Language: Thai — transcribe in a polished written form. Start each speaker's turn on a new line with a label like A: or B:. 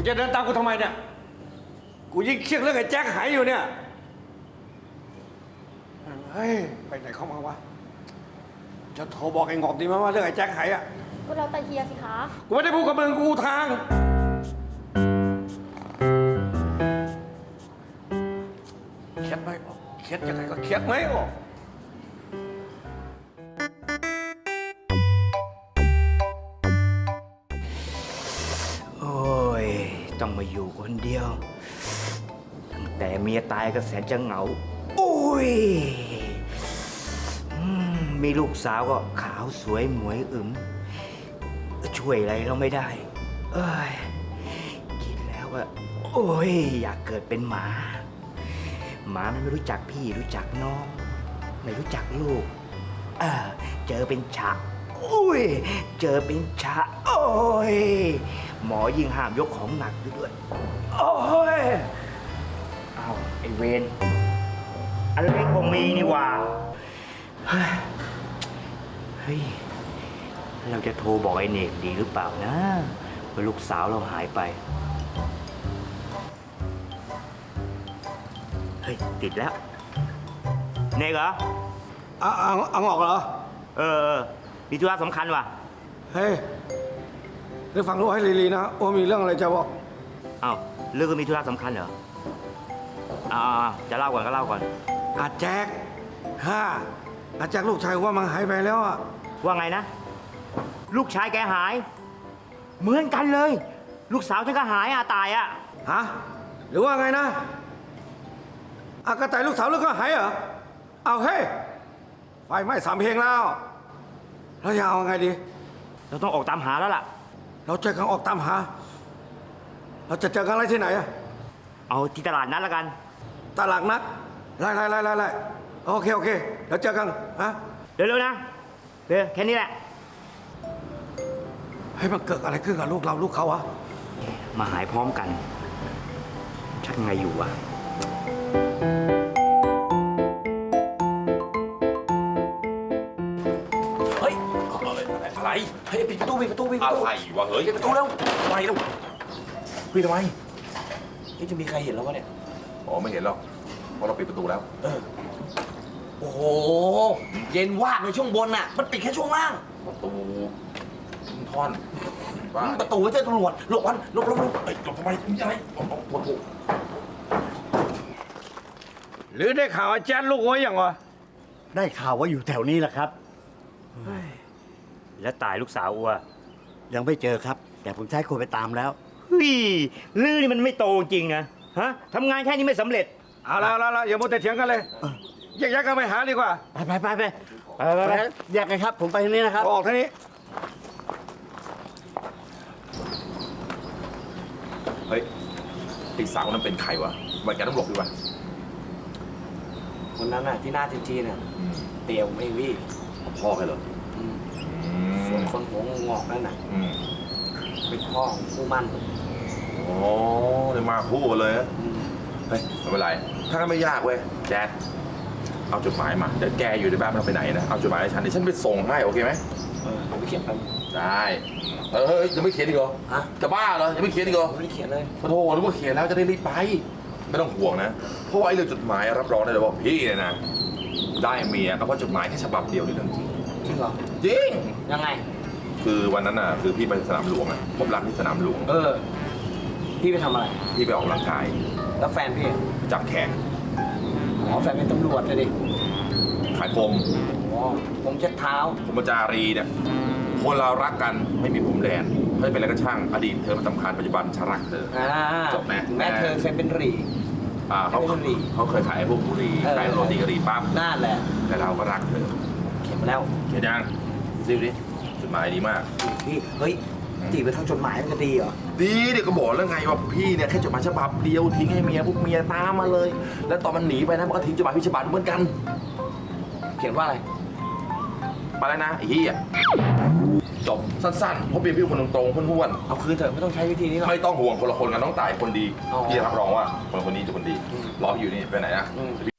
A: จะเดินตามกูทำไมเนี่ยกูยิ่งเครียดเรื่องไอ้แจ็คหายอยู่เนี่ยเฮ้ยไปไหนเข้ามาวะจะโทรบอกไอ้งอกดีไหมว่าเรื่องไอ้แจ็คหายอ่ะ
B: ก็แล้วแต่เฮียสิคะ
A: กูไม่ได้พูดกับมึงกูทางเครียดไหมออกเครียดยังไงก็เครียดไหมออก
C: โอ้ยต้องมาอยู่คนเดียวตั้งแต่เมียตายก็แสนจะเหงาโอ้ยมีลูกสาวก็ขาวสวยหมวยอึ๋มช่วยอะไรเราไม่ได้เอ้ยคิดแล้วว่าโอ้ยอยากเกิดเป็นหมามันไม่รู้จักพี่รู้จักน้องไม่รู้จักลูกเจอเป็นฉะอุ้ยเจอเป็นฉะโอ้ยหมอยิ่งห้ามยกของหนักด้วยโอ้ยเอาไอเวนอะไรคงมีนี่ว่าเฮ้ยเราจะโทรบอกไอ้เนกดีหรือเปล่านะว่าลูกสาวเราหายไปเฮ้ยติดแล้วเนกเหรอ
A: เอางอกเหรอ
C: มีธุระสำคัญว่ะ
A: เฮ้ยเรื่องฟังรู้ให้ลีๆนะโอ้มีเรื่องอะไรจะบอก
C: อ้าวเรื่องก็มีธุระสำคัญเหรอจะเล่าก่อนก็เล่าก่อน
A: อาแจ็คอาแจ็คลูกชายว่ามันหายไปแล้วอ่ะ
C: ว่าไงนะลูกชายแกหายเหมือนกันเลยลูกสาวฉันก็หายตาย
A: ฮะหรือว่าไงนะกระต่ายลูกสาวลูกก็หายเหรอเอาเฮ้ยไฟไหม้3 เพลงแล้วเราจะเอาไงดี
C: เราต้องออกตามหาแล้วล่ะ
A: เราเจอกันออกตามหาเราจะเจอกันอะไรที่ไหนอะ
C: เอาที่ตลาดนัดแล้วกัน
A: ตลาดนัดไล่โอเคเดี๋ยวเจอกัน
C: เร็วๆนะเร็วแค่นี้แหละ
A: ให้มันเกิดอะไรขึ้นกับลูกเราลูกเขาอะ
C: มาหายพร้อมกันชักไงอยู่วะ
D: เฮ้ยอะไรเฮ้ยปิดประตูอะไรวะเฮ้ยปิดประตูแล้วอะไรแล้วพี่ทำไมนี่จะมีใครเห็นแล้ววะเนี่ยอ๋อไม่เห็นหรอกเพราะเราปิดประตูแล้ว
E: โอ้โหเย็นวาบในช่วงบนน่ะมันปิดแค่ช่วงล่าง
D: ประตูท่อน
E: ประตูไม่ใช่ตำรวจหลบวันหลบ
D: หลบทำไมมีอะไรหลบ
A: หรือได้ข่าวอาจารย์ลูกไว้ยังวะ
F: ได้ข่าวว่าอยู่แถวนี้แหละครับ
C: แล้วตายลูกสาวอัว
F: ยังไม่เจอครับแต่ผมใช้คนไปตามแล้ว
C: เฮ้ยลือนี่มันไม่โตจริงนะฮะทำงานแค่นี้ไม่สำเร็จ
A: เอาละอย่ามัวแต่เถียงกันเลยแยกกันไปหาดีกว่า
F: ไปแยกกันครับผมไปทางนี้นะครับ
A: ออกทางนี้
D: เฮ้ยไอ้สาวนั้นเป็นใครวะวันแกต้องหลบดีวะ
E: คนนั้นน่ะที่หน้าจีนน่ะเตียวไม่วี่
D: พ่อใครเหรอ
E: ส่วนคนหัวงอกนั่นน่ะเป็นพ่อของคู่มั่น
D: โอ้เลยมาคู่กันเลยเฮ้ยไม่เป็นไรถ้าไม่ยากเว้ยแจ๊ดเอาจดหมายมาเดี๋ยวแกอยู่ในบ้านไม่ต้องไปไหนนะเอาจดหมายให้ฉันเดี๋ยวฉันไปส่งให้โอเคไหม
E: ผมไปเขียนไป
D: ได้เฮ้ยยังไม่เขียนอีกเหรอจะบ้าเหรอยังไม่เขียนอีกเหรอ
E: ไม่ได้เขียนเลย
D: โธ่นึกว่าเขียนแล้วจะได้รีบไปไม่ต้องห่วงนะเพราะว่าไอ้เรื่องจดหมายรับรองได้เลยว่าพี่เนี่ยนะได้เมียก็เพราะจดหมายแค่ฉบับเดียวนี่เรื่องจริง
E: จริงเหรอ
D: จริง
E: ยังไง
D: คือวันนั้นน่ะคือพี่ไปสนามหลวงอ่ะพบรักที่สนามหลวง
E: พี่ไปทำอะไร
D: พี่ไปออกกำลังกาย
E: แล้วแฟนพี่
D: จับแขน
E: แฟนเป็นตำรวจเลยดิ
D: ขายพรม
E: ผมเช็ดเท้า
D: พรหมจารีเนี่ยคนเรารักกันไม่มีพรมแดนไม่เป็นอะไรก็ช่างอดีตเธอมันสำคัญปัจจุบันฉันรักเธอจบไหม
E: แม่เธอเคยเป็นหรี่
D: เขาเคยขายพวกบุหรี่ขายโรตีกะหรี่ปั๊บ
E: นั่นแหละ
D: แต่เราก็รักเธอ
E: เขียนมาแล้ว
D: เขียนยังดิจดหมายดีมาก
E: พี่เฮ้ยจีบไปทางจดหมายมันจะดีเหรอ
D: ดีเดี๋ยวก็บอกแล้วไงว่าพี่เนี่ยแค่จดหมายฉบับเดียวทิ้งให้เมียพวกเมียตามมาเลยแล้วตอนมันหนีไปนะมันก็ทิ้งจดหมายพี่ฉบับเหมือนกัน
E: เขียนว่าอะไร
D: ไปแล้วนะไอ้เหี้ยจบสั้นๆเพราะเป็นพี่คนตรงๆห้วน
E: ๆเอาคืนเถอะไม่ต้องใช้วิธีนี้หรอก
D: ไม่ต้องห่วงคนละคนกันน้องต่ายคนดีพี่รับรองว่าคนนี้จะคนดีรอพี่อยู่นี่ไปไหนนะ